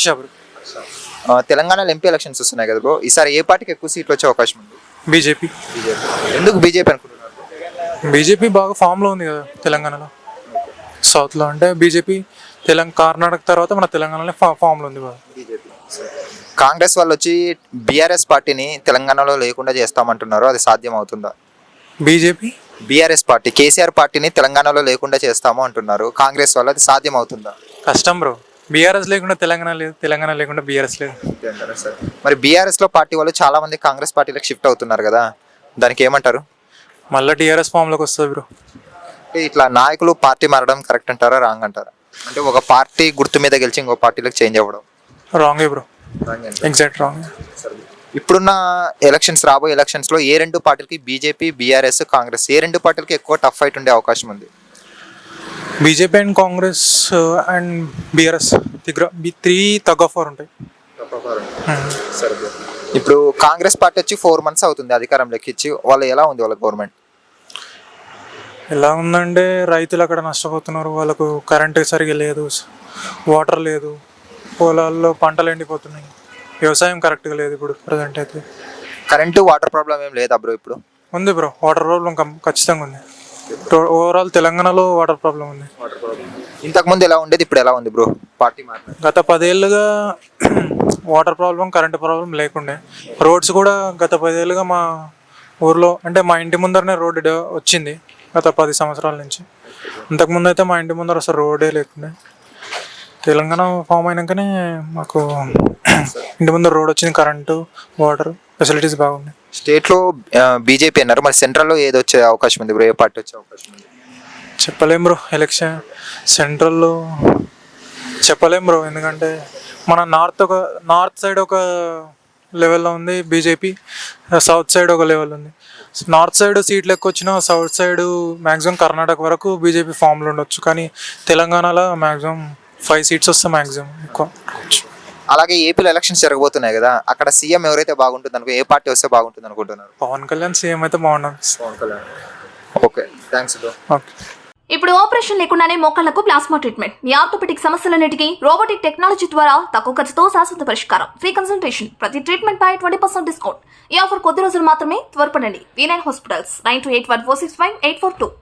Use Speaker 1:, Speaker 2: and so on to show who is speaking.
Speaker 1: Bro.
Speaker 2: తెలంగాణలో MP elections వస్తున్నాయి కదా బ్రో, ఈసారి ఏ పార్టీకి ఎక్కువ సీట్లు వచ్చే అవకాశం ఉంది?
Speaker 1: బీజేపీ.
Speaker 2: ఎందుకు బీజేపీ అనుకుంటున్నారు?
Speaker 1: బీజేపీ బాగా ఫామ్లో ఉంది కదా తెలంగాణలో. సౌత్లో అంటే బీజేపీ కర్ణాటక తర్వాత మన తెలంగాణలో ఫామ్లో ఉంది బాగా.
Speaker 2: కాంగ్రెస్ వాళ్ళు వచ్చి బీఆర్ఎస్ పార్టీని తెలంగాణలో లేకుండా చేస్తామంటున్నారు, అది సాధ్యం అవుతుందా? బీఆర్ఎస్ పార్టీ కేసీఆర్ పార్టీని తెలంగాణలో లేకుండా చేస్తాము అంటున్నారు కాంగ్రెస్ వాళ్ళు, అది సాధ్యం అవుతుందా?
Speaker 1: కష్టం బ్రో. బీఆర్ఎస్ లేకుండా తెలంగాణ లేదు, తెలంగాణ లేకుండా బీఆర్ఎస్ లేదు.
Speaker 2: మరి బీఆర్ఎస్ లో పార్టీ వాళ్ళు చాలా మంది కాంగ్రెస్ పార్టీలకు షిఫ్ట్ అవుతున్నారు కదా, దానికి ఏమంటారు?
Speaker 1: మళ్ళీ టీఆర్ఎస్ ఫామ్లోకి వస్తుంది బ్రో.
Speaker 2: ఇట్లా నాయకులు పార్టీ మారడం కరెక్ట్ అంటారా, రాంగ్ అంటారా? అంటే ఒక పార్టీ గుర్తు మీద గెలిచి ఇంకో పార్టీలకు చేంజ్ అవ్వడం
Speaker 1: రాంగే బ్రో, ఎగ్జాక్ట్ రాంగ్.
Speaker 2: ఇప్పుడున్న ఎలక్షన్స్, రాబోయే ఎలక్షన్స్ లో ఏ రెండు పార్టీలకి, బీజేపీ, బీఆర్ఎస్, కాంగ్రెస్, ఏ రెండు పార్టీలకి ఎక్కువ టఫ్ ఫైట్ ఉండే అవకాశం ఉంది?
Speaker 1: BJP and Congress and BRS three tug of war ఉంటాయి.
Speaker 2: ఇప్పుడు కాంగ్రెస్ పార్టీ వచ్చి 4 months అవుతుంది అధికారంలోకి ఇచ్చి, వాళ్ళు ఎలా ఉంది వాళ్ళ గవర్నమెంట్?
Speaker 1: ఎలా ఉందంటే రైతులు అక్కడ నష్టపోతున్నారు, వాళ్ళకు కరెంట్ సరిగా లేదు, వాటర్ లేదు, పొలాల్లో పంటలు ఎండిపోతున్నాయి, వ్యవసాయం కరెక్ట్గా లేదు ఇప్పుడు ప్రజెంట్ అయితే.
Speaker 2: కరెంటు వాటర్ ప్రాబ్లం ఏం లేదా బ్రో ఇప్పుడు?
Speaker 1: ఉంది బ్రో, వాటర్ ప్రాబ్లం ఖచ్చితంగా ఉంది. ఓవరాల్ తెలంగాణలో వాటర్ ప్రాబ్లం ఉంది.
Speaker 2: ఇంతకు ముందు ఎలా ఉండేది, ఇప్పుడు ఎలా ఉంది బ్రో పార్టీ మాత్రం?
Speaker 1: గత 10 ఏళ్ళుగా వాటర్ ప్రాబ్లం, కరెంట్ ప్రాబ్లం లేకుండే. రోడ్స్ కూడా గత 10 ఏళ్ళుగా మా ఊర్లో, అంటే మా ఇంటి ముందరనే రోడ్డు వచ్చింది గత 10 సంవత్సరాల నుంచి. ఇంతకుముందు అయితే మా ఇంటి ముందర అసలు రోడ్డే లేకుండే. తెలంగాణ ఫామ్ అయినాకనే మాకు ఇంటి ముందర రోడ్ వచ్చింది, కరెంటు, వాటర్ ఫెసిలిటీస్ బాగున్నాయి.
Speaker 2: స్టేట్లో బీజేపీ అన్నారు, మరి సెంట్రల్లో ఏది వచ్చే అవకాశం ఉంది బ్రో, ఏ పార్టీ వచ్చే అవకాశం ఉంది?
Speaker 1: చెప్పలేం బ్రో, ఎలక్షన్ సెంట్రల్లో చెప్పలేం బ్రో. ఎందుకంటే మన నార్త్ సైడ్ ఒక లెవెల్లో ఉంది బీజేపీ, సౌత్ సైడ్ ఒక లెవెల్ ఉంది. నార్త్ సైడ్ సీట్లు ఎక్కువ వచ్చినా సౌత్ సైడ్ మ్యాక్సిమం కర్ణాటక వరకు బీజేపీ ఫామ్లో ఉండొచ్చు, కానీ తెలంగాణలో మ్యాక్సిమం 5 seats వస్తే మ్యాక్సిమం ఎక్కువ.
Speaker 2: అలాగే ఏపీలో ఎలక్షన్స్ జరగబోతున్నాయి కదా, అక్కడ సీఎం ఎవరైతే బాగుంటుంది అనుకో, ఏ పార్టీ వస్తే బాగుంటుంది అనుకుంటున్నారు?
Speaker 1: పవన్ కళ్యాణ్ సీఎం అయితే బాగుంటుంది.
Speaker 2: Pawan Kalyan. Okay, thanks bro.
Speaker 1: Okay.
Speaker 3: ఇప్పుడు ఆపరేషన్ లేకుండానే మోకాళ్లకు ప్లాస్మా ట్రీట్మెంట్, మీ ఆర్థోపెటిక్ సమస్యలన్నిటికీ రోబోటిక్ టెక్నాలజీ ద్వారా తక్కువ ఖర్చుతో శాశ్వత పరిష్కారం, ఫ్రీ కన్సల్టేషన్, ప్రతి ట్రీట్మెంట్ పై 20% డిస్కౌంట్. ఈ ఆఫర్ కొద్ది రోజులు మాత్రమే, త్వరపడండి. V9 hospitals 9281465842.